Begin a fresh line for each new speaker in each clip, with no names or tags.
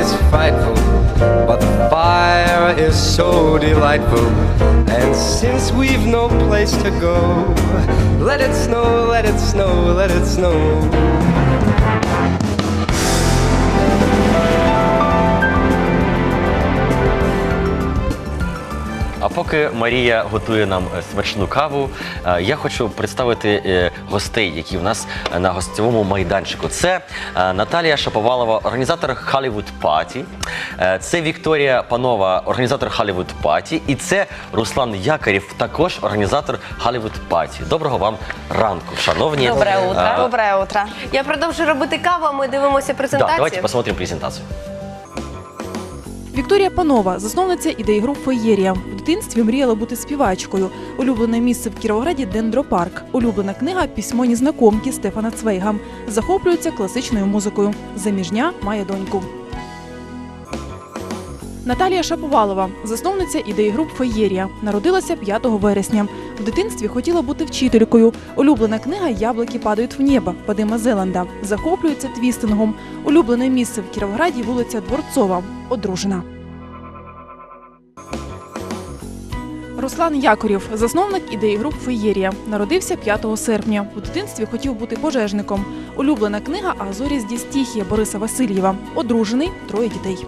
is frightful, but the fire is so delightful. And since we've no place to go, let it snow, let it snow, let it snow.
А поки Марія готує нам смачну каву, я хочу представити гостей, які в нас на гостьовому майданчику. Це Наталія Шаповалова, організатор Hollywood Party. Це Вікторія Панова, організатор Hollywood Party. І це Руслан Якорєв, також організатор Hollywood Party. Доброго вам ранку, шановні.
Доброе утро.
Доброе утро.
Я продовжую робити каву, а ми дивимося презентацію.
Да, давайте посмотрим презентацію.
Вікторія Панова – засновниця ідеї груп «Феєрія». В дитинстві мріяла бути співачкою. Улюблене місце в Кіровограді – Дендропарк. Улюблена книга – «Письмо незнакомки» Стефана Цвейга. Захоплюється класичною музикою. Заміжня, має доньку. Наталія Шаповалова – засновниця ідеї груп «Феєрія». Народилася 5 вересня. В дитинстві хотіла бути вчителькою. Улюблена книга «Яблуки падають в небо» Вадима Зеланда. Захоплюється твістингом. Улюблене місце в Кіровограді – вулиця Дворцова. Одружена. Руслан Якорєв – засновник ідеї груп «Феєрія». Народився 5 серпня. У дитинстві хотів бути пожежником. Улюблена книга «А зорі здесь тихі» Бориса Васильєва. Одружений, 3 дітей.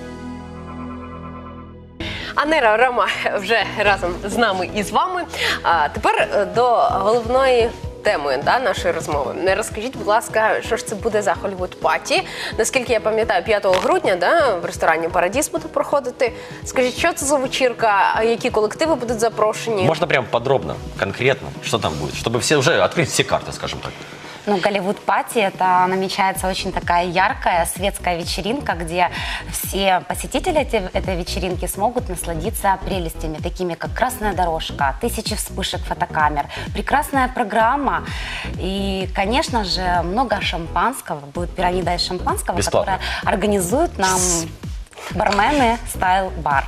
Анера, Рома вже разом з нами і з вами. А тепер до головної теми нашої розмови. Розкажіть, будь ласка, що ж це буде за Hollywood Party? Наскільки я пам'ятаю, 5 грудня в ресторані «Парадіс» буде проходити. Скажіть, що це за вечірка, які колективи будуть запрошені?
Можна прям подробно, конкретно, що там буде, щоб всі вже відкрити всі карти, скажімо так.
Ну, Hollywood Party – это намечается очень такая яркая светская вечеринка, где все посетители этой вечеринки смогут насладиться прелестями, такими как красная дорожка, 1000 вспышек фотокамер, прекрасная программа и, конечно же, много шампанского. Будет пирамида из шампанского,
бесплатно,
которая организуют нам бармены Style Bar.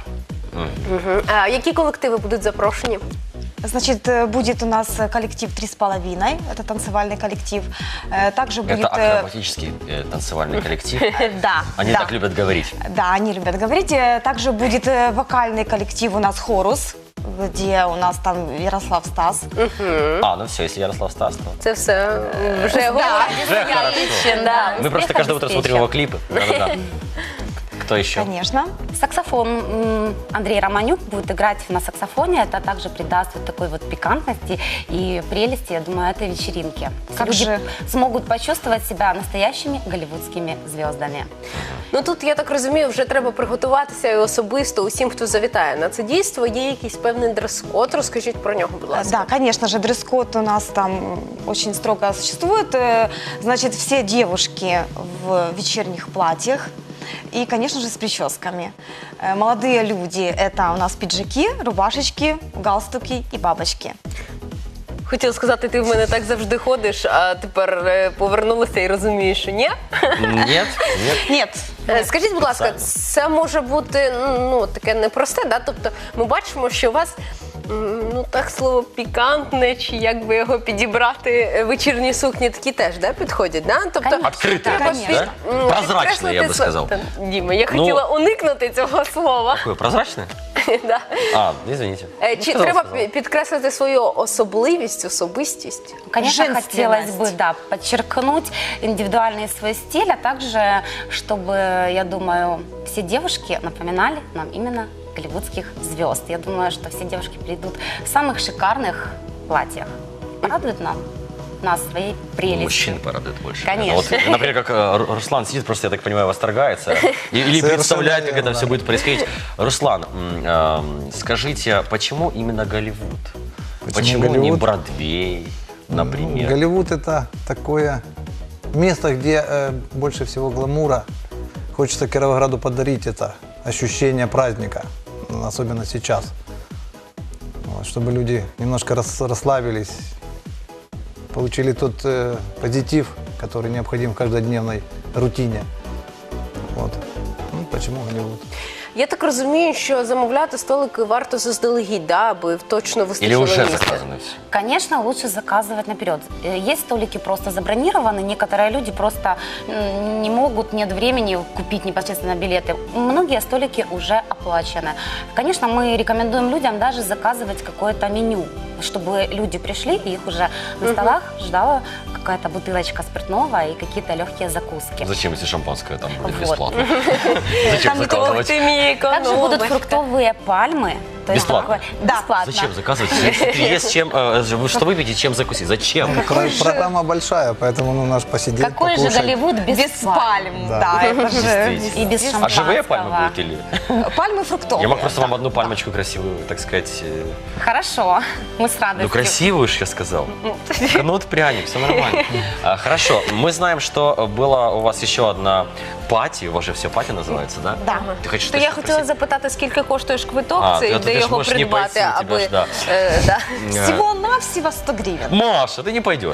А які колективи будуть запрошені?
Значит, будет у нас коллектив «3,5», это танцевальный коллектив. Также будет...
Это акробатический танцевальный коллектив.
Да.
Они так любят говорить.
Да, они любят говорить. Также будет вокальный коллектив у нас «Хорус», где у нас там Ярослав Стас.
А, ну все, если Ярослав Стас, то...
Це все вже
Уже хорошо. Мы просто каждое утро смотрим его клипы. Да-да-да. Кто еще?
Конечно.
Саксофон. Андрей Романюк будет играть на саксофоне. Это также придаст вот такой вот пикантности и прелести, я думаю, этой вечеринки. Люди смогут почувствовать себя настоящими голливудскими звездами.
Ну тут, я так розумію, вже треба приготуватися і особисто усім, хто завітає на це дійство. Є якийсь певний дрес-код, розкажіть про нього, будь ласка.
Да, конечно же, дресс-код у нас там очень строго существует. Значит, все девушки в вечерних платьях. И, конечно же, с прическами. Молодые люди – это у нас пиджаки, рубашечки, галстуки и бабочки.
Хотіла сказати, ти в мене так завжди ходиш, а тепер повернулася і розумієш, що ні?
Нет, нет.
Нет.
Скажіть, будь ласка, це може бути таке непросте, да? Тобто ми бачимо, що у вас, так слово пікантне, чи як би його підібрати, вечірні сукні такі теж, да, підходять, да? Тобто,
Открытые, да? Прозрачные, я бы сказал.
Діма, я хотіла уникнути цього слова.
Какое, прозрачное?
Да.
А, извините.
Чи треба підкреслити свою особливість, особистість?
Конечно, хотелось бы, да, подчеркнуть индивидуальный свой стиль, а также, чтобы, я думаю, все девушки напоминали нам именно голливудских звезд. Я думаю, что все девушки придут в самых шикарных платьях. Порадуют нас своей прелестью.
Мужчин порадует больше.
Конечно.
Вот, например, как Руслан сидит, просто, я так понимаю, восторгается. Или представляет, как это все будет происходить. Руслан, скажите, почему именно Голливуд? Почему не Бродвей, например?
Голливуд – это такое место, где больше всего гламура. Хочется Кировограду подарить это ощущение праздника, особенно сейчас. Вот, чтобы люди немножко расслабились, получили тот позитив, который необходим в каждодневной рутине. Вот. Почему Голливуд?
Я так розумію, що замовляти столики варто заздалегідь, да, аби точно
Или
вистачило
уже
місця.
заказано все?
Конечно, лучше заказывать наперед. Есть столики просто забронированы, некоторые люди просто не могут, нет времени купить непосредственно билеты. Многие столики уже оплачены. Конечно, мы рекомендуем людям даже заказывать какое-то меню, чтобы люди пришли и их уже на столах ждала какая-то бутылочка спиртного и какие-то легкие закуски.
Зачем, если шампанское там будет
Вот.
бесплатно? Зачем
Ох,
заказывать?
ти мій
Также будут
економочка.
фруктовые пальмы. То есть
Бесплатно?
такое- Бесплатно.
Зачем заказывать? Если есть чем, что выпить и чем закусить? Зачем?
Программа большая, поэтому нужно ж посидеть,
Какой же
покушать.
Голливуд без,
Без пальм, да, это же...
Действительно.
И без
А
шампанского.
живые пальмы будут или?
Пальмы фруктовые.
Я мог просто вам одну пальмочку красивую, так сказать.
Хорошо, мы с радостью.
Ну, красивую ж я сказал. Кнут, пряник, все нормально. Хорошо, мы знаем, что была у вас еще одна пати, у вас же все пати называется, да?
Да.
Ты хочешь
То я
что-то
хотіла
спросить?
запитати, скільки коштує ж квиток
А,
цей,
ти
де
ж
його
можеш не
придбати,
пойти, у тебе
аби...
ж, да.
да.
Всего-навсего 100 гривен.
Маша, ты не пойдешь.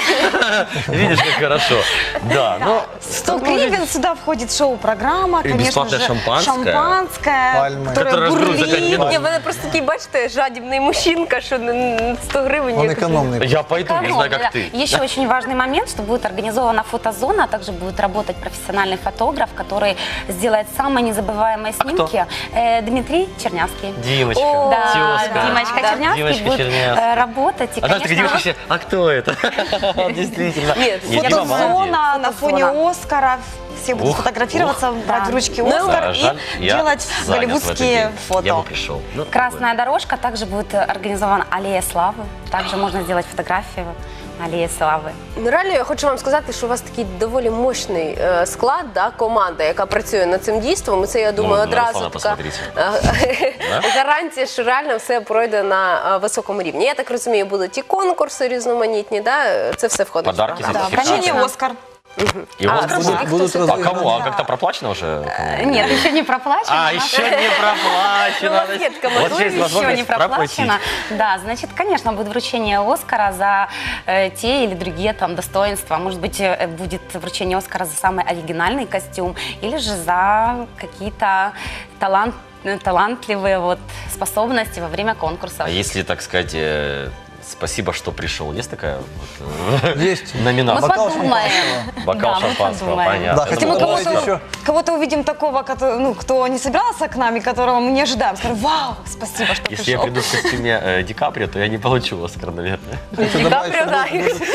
Видишь, как хорошо. Да, ну,
100 гривен, сюда входит шоу-программа,
И
конечно
бесплатное
же,
шампанское.
Пальмы.
которое
Которое разберут за 5
бурлит.
минут.
Ні, в мене просто такий, бачите, жадібний мужчинка, що 100 гривень.
Он
якось-
экономный.
я пойду, не знаю, как ты.
Еще очень важный момент, что будет организована фотозона, а также будет работать профессиональный фотограф, который сделает самые незабываемые снимки. Дмитрий Чернявский.
Димочка,
О,
Да,
тезка.
Димочка
Да.
Чернявский
Димочка
будет
Чернявский.
работать. И,
А знаешь, такие
конечно,
девушки все, а кто это? Действительно.
Нет,
Дима молодец.
Фотозона на фоне
Фотозона.
Оскара. Все будут
Ух,
фотографироваться, брать
да.
в ручки
Ну,
Оскар
Да, жаль,
и
я
делать
занят в этот
голливудские
день. Я бы
фото.
пришел. Ну,
Красная дорожка, также будет организована аллея славы. Также можно сделать фотографию на аллее славы.
Ну, реально, я хочу вам сказати, що у вас такий доволі мощний склад, да, команда, яка працює над цим дійством. І це, я думаю,
на
одразу
Руслана
така
посмотрите.
гарантія, що реально все пройде на високому рівні. Я так розумію, будуть і конкурси різноманітні, да? Це все входить. в
Подарки
програму.
за
Конечно,
Конечно.
Оскар.
И у вас
скажи,
будут-
кто
будут
все
А
разыграны.
кому? А как-то проплачено уже?
Нет, еще не проплачено.
А, еще не проплачено.
Конфетка,
Вот
можно
здесь
Еще
возможность
не
проплатить.
проплачено. Да, значит, конечно, будет вручение Оскара за те или другие там достоинства. Может быть, будет вручение Оскара за самый оригинальный костюм или же за какие-то талантливые вот способности во время конкурса.
А если, так сказать, спасибо, что пришел, есть такая вот,
Есть.
Мы
номинация?
Бокал
подумаем.
Бокал
Да, мы
шампанского,
подумаем.
понятно.
Да,
Я
хотя
Если мы
думал,
добавить
кого-то,
еще.
кого-то увидим такого, кто не собирался к нам и которого мы не ожидаем, скажем, вау, спасибо, что
Если я
пришел.
приду в костюме Ди Каприо, то я не получу Оскар, наверное.
Ді Капріо, да.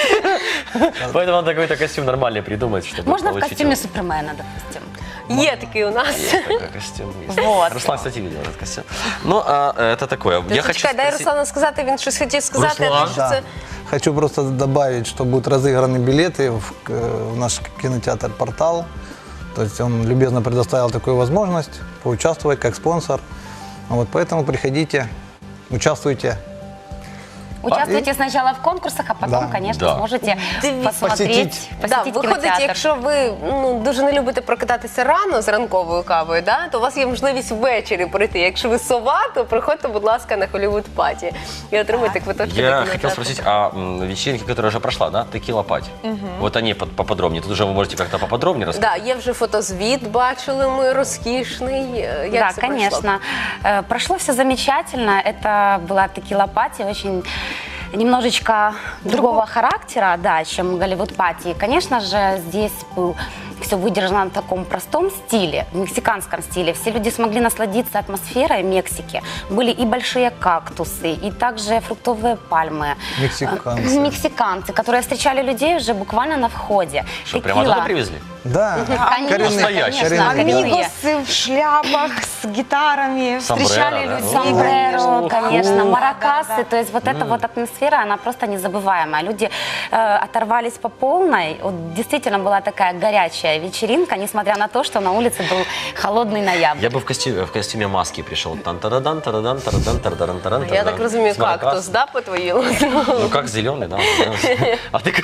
Поэтому надо какой-то костюм нормальный придумать, чтобы
Можно в
получить
костюме
его.
Супермена, допустим.
Є такий у нас.
Есть такой костюм. Есть.
Вот.
Руслан, кстати, видел этот костюм. Ну, это такое. Я хочу
Чекай, дай
спросить-
Руслану сказати, він щось хотів сказати, а
Руслан?
ти що
Да.
це...
Хочу просто добавить, что будут разыграны билеты в наш кинотеатр «Портал». То есть он любезно предоставил такую возможность поучаствовать как спонсор. Вот поэтому приходите, участвуйте.
Участвуйте сначала в конкурсах, а потом,
Да.
конечно,
Да.
сможете
Дивіться.
посмотреть,
Да,
посетить
виходить,
кинотеатр.
якщо ви дуже не любите прокидатися рано з ранковою кавою, да, то у вас є можливість ввечері прийти. Якщо ви сова, то приходьте, будь ласка, на Hollywood Паті і отримайте квиточки.
Я
до
хотел
кінотеатру.
спросить о вечеринке, которая уже прошла, да? Текила Пати. Вот они поподробнее. Тут уже вы можете как-то поподробнее рассказать.
Да, є вже фотозвіт, бачили ми, розкішний. Як
Да,
це пройшло?
конечно. Прошло все замечательно. Это была текила-пати, очень немножечко другого характера, да, чем Голливуд-пати. И, конечно же, здесь был все выдержано в таком простом стиле, в мексиканском стиле. Все люди смогли насладиться атмосферой Мексики. Были и большие кактусы, и также фруктовые пальмы.
Мексиканцы.
Мексиканцы, которые встречали людей уже буквально на входе.
Что, прямо
Текила.
туда привезли?
Да,
Конечно,
Настоящие.
конечно, коренные.
Амигосы в шляпах с гитарами
Сомбреро,
встречали
да?
людей.
Сомбреро, конечно,
Ух.
маракасы, то есть вот эта вот атмосфера, она просто незабываемая. Люди оторвались по полной, вот действительно была такая горячая вечеринка, несмотря на то, что на улице был холодный ноябрь.
Я бы в костюме маски пришел. Тан-тарадан, тарадан, тарадан, тарадан, тарадан,
Я так розумію,
С маракас.
кактус, да, по твоїй
Ну, как зеленый, да. А ты...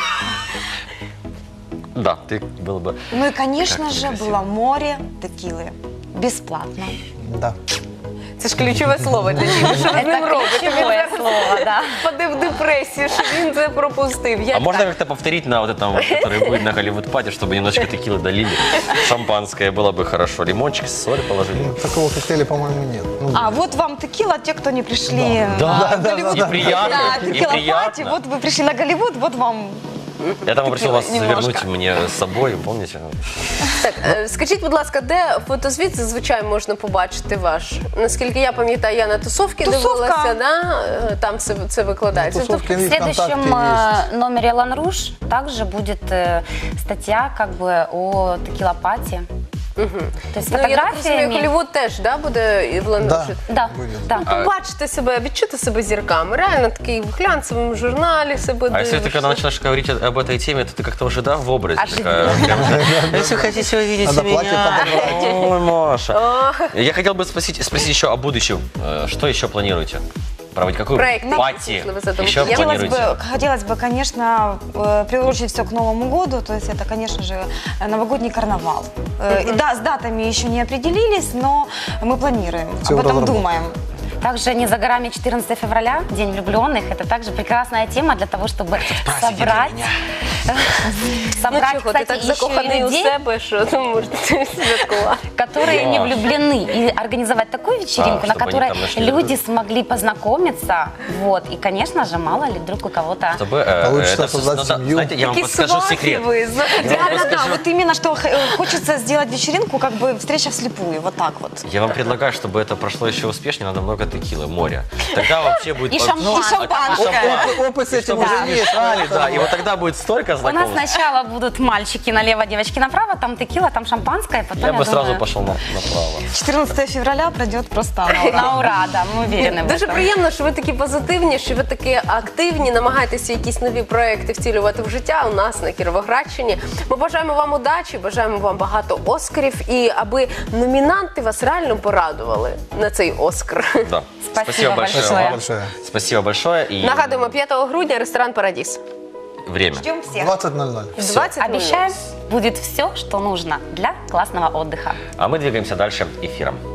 Да, ты был бы...
Ну и, конечно
Как
же,
некрасиво.
было море текилы. Бесплатно.
да.
Це ж ключове слово для Діми. Що ви з ним
Это
робите? Він
ключевое
зараз
слово, да.
впаде в депресію, що він це пропустив.
А
Як
можно
так?
как-то повторить на вот этом, вот, который будет на Голливуд-пати, чтобы немножечко текилы долили, шампанское было бы хорошо, лимончик, соль положили.
Такого коктейля, по-моему, нет. Ну,
А вот вам текила, те, кто не пришли
Да,
на Голливуд.
и приятно,
Да,
и
текила пати,
приятно.
вот вы пришли на Голливуд, вот вам.
Я там попросил вас
немножко.
завернуть мне с собой, помните?
Так, скажіть, будь ласка, де фотозвіт зазвичай можна побачити ваш? Наскільки я пам'ятаю, я на тусовки
Тусовка.
дивилася, да? Там це викладається.
тусовки
В
есть,
следующем
ВКонтакте есть.
номере Лан Руж также будет статья как бы о текила-пати. То есть
Ну, я так розумію,
фотографиями.
Голлівуд теж да, буде і в
Да,
Лануші?
Да,
будет.
да.
Побачити себе, відчути себе зірками. Реально такий в глянцевому журналі себе
А если ты когда
дивишся.
начинаешь говорить об этой теме, то ты как-то уже, да, в образе.
Оживленно.
Если хотите увидеть
Надо платье
меня. Ой, Маша. Я хотел бы спросить еще о будущем. Что еще планируете? Проводить какую
Проект
пати
можливо, задумки
еще
є?
планируете?
Хотелось бы, конечно, приурочить все к Новому году, то есть это, конечно же, новогодний карнавал. И да, с датами еще не определились, но мы планируем,
Всё
об этом
разработано.
думаем.
Также не за горами 14 февраля, День влюбленных. Это также прекрасная тема для того, чтобы собрать,
Ну
собрать,
чого, ти
кстати,
так
еще и
закоханий у
людей,
себе, що ну, можете святкувати.
которые не влюблены, и организовать такую вечеринку, на
чтобы они
которой
там нашли
люди
друг
смогли познакомиться, вот, и, конечно же, мало ли вдруг у кого-то...
Чтобы,
Получится
это,
создать
надо,
семью.
знаете, я вам
Такі
подскажу
свахи
секрет.
ви, знаєте.
Да, вот именно, что хочется сделать вечеринку, как бы встреча вслепую, вот так вот.
Я вам предлагаю, чтобы это прошло еще успешнее, надо много текилы, море. Тогда вообще будет...
И шампанское.
Опыт с этим
Чтобы
уже
уже
есть.
мешали, да, и вот тогда будет столько
У нас
знакомых.
сначала будут мальчики налево, девочки направо, там текила, там шампанское, потом,
Я бы сразу
думаю,
пошел направо.
14 февраля пройдет просто на ура.
на ура, да, мы уверены в
Дуже
этом.
приємно, що ви такі позитивні, що ви такі активні, намагаєтеся якісь нові проекти втілювати в життя у нас на Кіровоградщині. Ми бажаємо вам удачі, бажаємо вам багато оскарів і аби номінанти вас реально порадували на цей оскар.
Да.
Спасибо большое.
Спасибо большое.
Спасибо большое. И
Нагадуємо, 5 грудня ресторан «Парадіс».
время.
Ждем всех.
20:00.
В 20:00.
Обещаем, будет все, что нужно для классного отдыха.
А мы двигаемся дальше эфиром.